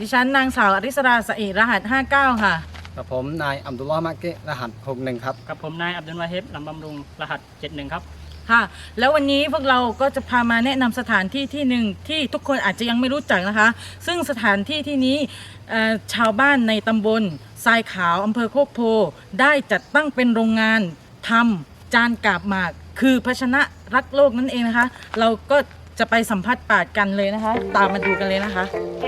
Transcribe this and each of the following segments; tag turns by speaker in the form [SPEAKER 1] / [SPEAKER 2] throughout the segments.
[SPEAKER 1] ดิฉันนางสาวอริสราสะเอรหัส59ค่ะ
[SPEAKER 2] กับผมนายอัมดุลลอฮ์มะเกะรหัส61ครับ
[SPEAKER 3] กับผมนายอับดุลวาเฮบลำบำรุงรหัส71ครับ
[SPEAKER 1] ค่ะแล้ววันนี้พวกเราก็จะพามาแนะนำสถานที่ที่หนึ่งที่ทุกคนอาจจะยังไม่รู้จักนะคะซึ่งสถานที่ที่นี้ชาวบ้านในตำบลทรายขาวอำเภอโคกโพได้จัดตั้งเป็นโรงงานทำจานกาบหมากคือภาชนะรักโลกนั่นเองนะคะเราก็จะไปสัมผัสปาดกันเลยนะคะตามมาดูกันเลยนะคะ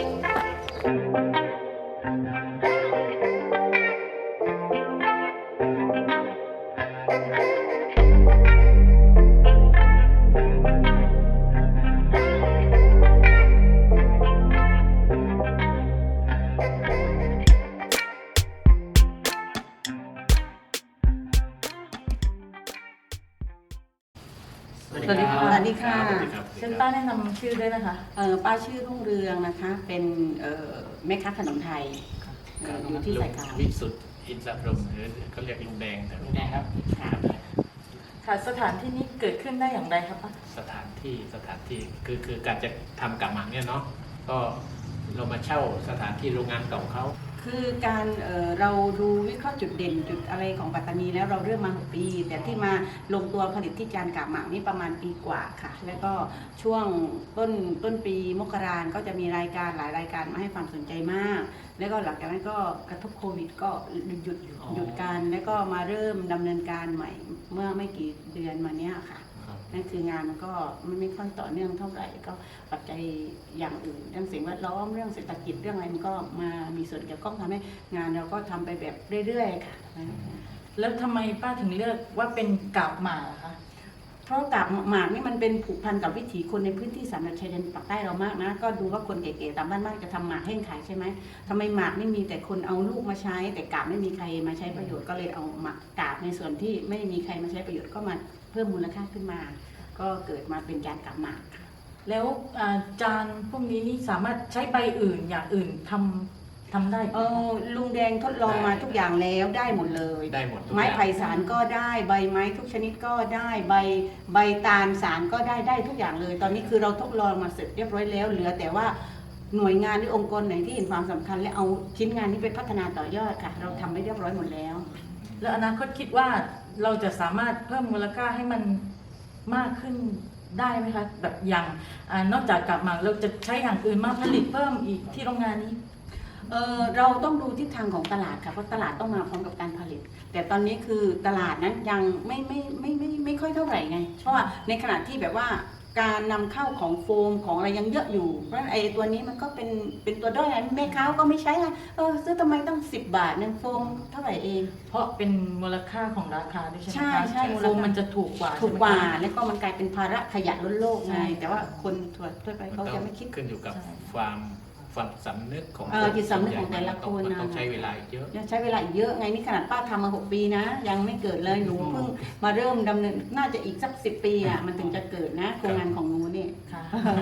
[SPEAKER 1] สวัสดีค่ะ
[SPEAKER 4] สวัสดีค่ะ
[SPEAKER 1] เชิญป้าแนะนำชื่อด้วยนะคะ
[SPEAKER 4] ป้าชื่อรุ่งเรืองนะคะ เป็นแม่ค้าขนมไทยอยู่ที่สายขาว
[SPEAKER 5] วิสุทธิ์อินทรพรหมหรือเขาเรียกลุงแดงแต่ลุงแดงครับ
[SPEAKER 1] ค่ะสถานที่นี้เกิดขึ้นได้อย่างไรครับป้า
[SPEAKER 5] สถานที่คือการจะทำกับหมักเนี่ยเนาะก็เรามาเช่าสถานที่โรงงานเก่าเขา
[SPEAKER 4] คือการเราดูวิเคราะห์จุดเด่นจุดอะไรของปัตตานีแล้วเราเริ่มมา6 ปีแต่ที่มาลงตัวผลิตที่จานกาบหมากนี่ประมาณปีกว่าค่ะแล้วก็ช่วงต้นปีมกราคมก็จะมีรายการหลายรายการมาให้ความสนใจมากแล้วก็หลังจากนั้นก็กระทบโควิดก็หยุดการแล้วก็มาเริ่มดำเนินการใหม่เมื่อไม่กี่เดือนมาเนี้ยค่ะนั่นคืองานมันก็ไม่ค่อยต่อเนื่องเท่าไหร่ก็ปัจจัยอย่างอื่นเรื่องสิ่งแวดล้อมเรื่องเศรษฐกิจเรื่องอะไรมันก็มามีส่วนเกี่ยวข้องทำให้งานเราก็ทำไปแบบเรื่อยๆค่ะ
[SPEAKER 1] แล้วทำไมป้าถึงเลือกว่าเป็นกาบหมากคะ
[SPEAKER 4] เพราะกาบหมากนี่มันเป็นผูกพันกับวิถีคนในพื้นที่สามจังหวัดชายแดนปากใต้เรามากนะก็ดูว่าคนเก๋ๆตามบ้านมากจะทำหมากแห้งขายใช่ไหมทำไมหมากไม่มีแต่คนเอาลูกมาใช้แต่กาบไม่มีใครมาใช้ประโยชน์ก็เลยเอาหมากกาบในส่วนที่ไม่มีใครมาใช้ประโยชน์ก็มาเพิ่มมูลค่าขึ้นมาก็เกิดมาเป็นจานกาบหมากค่ะ
[SPEAKER 1] แล้วจานพวกนี้นี่สามารถใช้ใบอื่นอย่างอื่นทำได้
[SPEAKER 4] ลุงแดงทดลองมาทุกอย่างแล้วได้หมดเลย
[SPEAKER 5] ได้หมด
[SPEAKER 4] ไม้ไผ่สารก็ได้ใบไม้ทุกชนิดก็ได้ใบตาลสารก็ได้ทุกอย่างเลยตอนนี้คือเราทดลองมาเสร็จเรียบร้อยแล้วเหลือแต่ว่าหน่วยงานหรือองค์กรไหนที่เห็นความสำคัญและเอาชิ้นงานนี้ไปพัฒนาต่อยอดค่ะเราทำไม่เรียบร้อยหมดแล้ว
[SPEAKER 1] แล้วอนาคตคิดว่าเราจะสามารถเพิ่มมูลค่าให้มันมากขึ้นได้ไหมคะแบบอย่างนอกจากกาบหมากเราจะใช้อย่างอื่นมาผลิตเพิ่มอีกที่โรงงานนี้
[SPEAKER 4] เราต้องดูทิศทางของตลาดค่ะเพราะตลาดต้องมาพร้อมกับการผลิตแต่ตอนนี้คือตลาดนั้นยังไม่ค่อยเท่าไหร่ไงเพราะว่าในขณะที่แบบว่าการนำเข้าของโฟมของอะไรยังเยอะอยู่เพราะไอ้ตัวนี้มันก็เป็นตัวด้อยแม่ค้าก็ไม่ใช้ไงซื้อทำไมต้อง10 บาทนึงโฟมเท่าไหร่เอง
[SPEAKER 1] เพราะเป็นมูลค่าของราคาด้วยใช่ไหมคะ
[SPEAKER 4] ใช่
[SPEAKER 1] โฟมมันจะถูกกว่า
[SPEAKER 4] แล้วก็มันกลายเป็นภาระขยะล้นโลกไงแต่ว่าคนทั่วไปเขาจะไม่คิด
[SPEAKER 5] ขึ้นอยู่กับความสำนึกของ
[SPEAKER 4] จิตสำนึกของแต่ละคน
[SPEAKER 5] นะต้องใช้เวลาเยอะ
[SPEAKER 4] ใช้เวลาเยอะไงนี่ขนาดป้าทำมา6 ปีนะยังไม่เกิดเลยหนูเพิ่งมาเริ่มดำเนินน่าจะอีกสัก10 ปีอ่ะมันถึงจะเกิดนะโครงงานของหนูนี่ค่ะ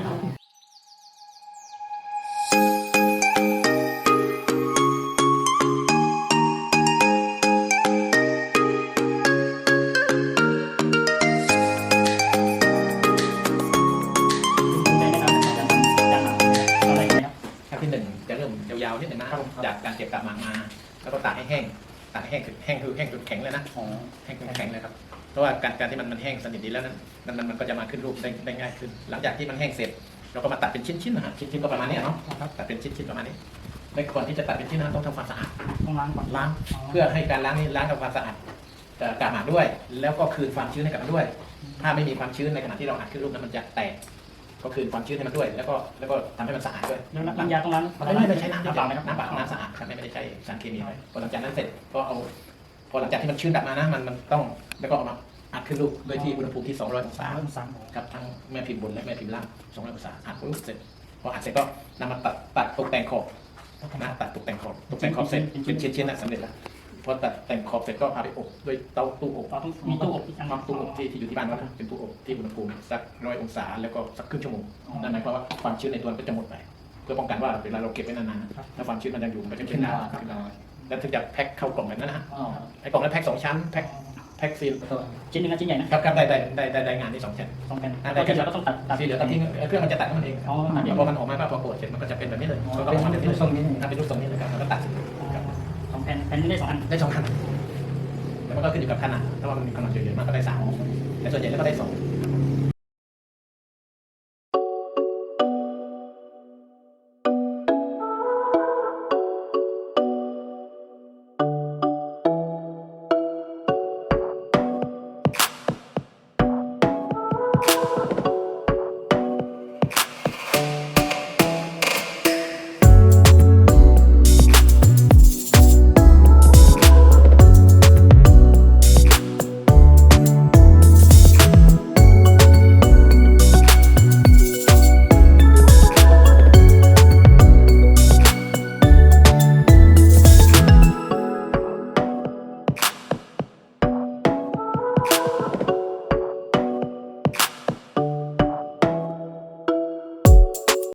[SPEAKER 5] จะเริ่มยาวๆนิดหนึ่งนะจากการเก็บกาบหมากมาแล้วก็ตากให้แห้งคือแห้งจนแข็งเลยนะแห้งจนแข็งเลยครับเพราะว่าการที่มันแห้งสนิทดีแล้วนั้นมันก็จะมาขึ้นรูปได้ง่ายขึ้นหลังจากที่มันแห้งเสร็จเราก็มาตัดเป็นชิ้นๆนะฮะชิ้นๆก็ประมาณนี้เนาะตัดเป็นชิ้นๆประมาณนี้ในก่อนที่จะตัดเป็นชิ้นนั้นต้องทำความสะอาด
[SPEAKER 3] ต้องล้างก่อน
[SPEAKER 5] ล้างเพื่อให้การล้างนี้ล้างทำความสะอาดกาบหมากด้วย แล้วก็คืนความชื้นให้กับมันด้วยถ้าไม่มีความชื้นในขณะที่เราอัดขึ้นรูปนั้นมันจะแตกก็คืนความชื้นให้มันด้วยแล้วก็ทำให้มันสะอาดด้วย
[SPEAKER 3] น้ำยาต้องล้าง
[SPEAKER 5] ไม่ได้ใช้น้ำเปล่าน้ำเปล่าน้ำสะอาดครับไม่ได้ใช้สารเคมีพอหลังจากนั้นเสร็จก็เอาพอหลังจากที่มันชื้นกลับมานะมันต้องแล้วก็เอามาอัดขึ้นรูปโดยที่อุณหภูมิที่200 องศากับทั้งแม่พิมพ์บนและแม่พิมพ์ล่าง200 องศาอัดปุ๊บเสร็จพออัดเสร็จก็นำมาตัดตกแต่งขอบนะตัดตกแต่งขอบเสร็จเป็นชิ้นๆนะสำเร็จแล้วพอตัดแต่งขอบเสร็จก็พาไปอบด้วยตู้อบ
[SPEAKER 3] มีตู้อบ
[SPEAKER 5] ที่อยู่ที่บ้านนะเป็นตู้อบที่อุณหภูมิสัก100 องศาแล้วก็สักครึ่งชั่วโมงนั่นหมายความว่าความชื้นในตัวมันก็จะหมดไปเพื่อป้องกันว่าเวลาเราเก็บไว้นานๆถ้าความชื้นมันยังอยู่มันก็จะขึ้นได้แล้วถึงจะแพ็คเข้ากล่องแบบนั้นนะฮะไอ้กล่องนั้นแพ็ค2 ชั้นแพ็คแพ็กซีล
[SPEAKER 3] ชิ้นหนึ่งกับชิ้นใหญ่นะครับ
[SPEAKER 5] ครับได้งานที่2แผ่น
[SPEAKER 3] 2 แผ่น
[SPEAKER 5] ได้
[SPEAKER 3] แล้วก็ที่เหลือก็ต้องตัด
[SPEAKER 5] ที่เหลือก็ทิ้งเครื่องมันจะตัดของมันเอง
[SPEAKER 3] อ๋อตัดเอง
[SPEAKER 5] พอมันออกมาพอกดเสร็จมันก็จะเป็นแบบนี้เลยก็ออกมาเป็นรูปทรงนี้เป็นรูปทรงนี้เลยครับแล้วก็ตัดครับ
[SPEAKER 3] 2 แผ่นแผ่นนึงได้ 2 อัน
[SPEAKER 5] ได้2 ขนาดแล้วมันก็ขึ้นอยู่กับขนาดถ้าว่ามันมีขนาดใหญ่ๆมากก็ได้3แต่ส่วนใหญ่แล้วก็ได้2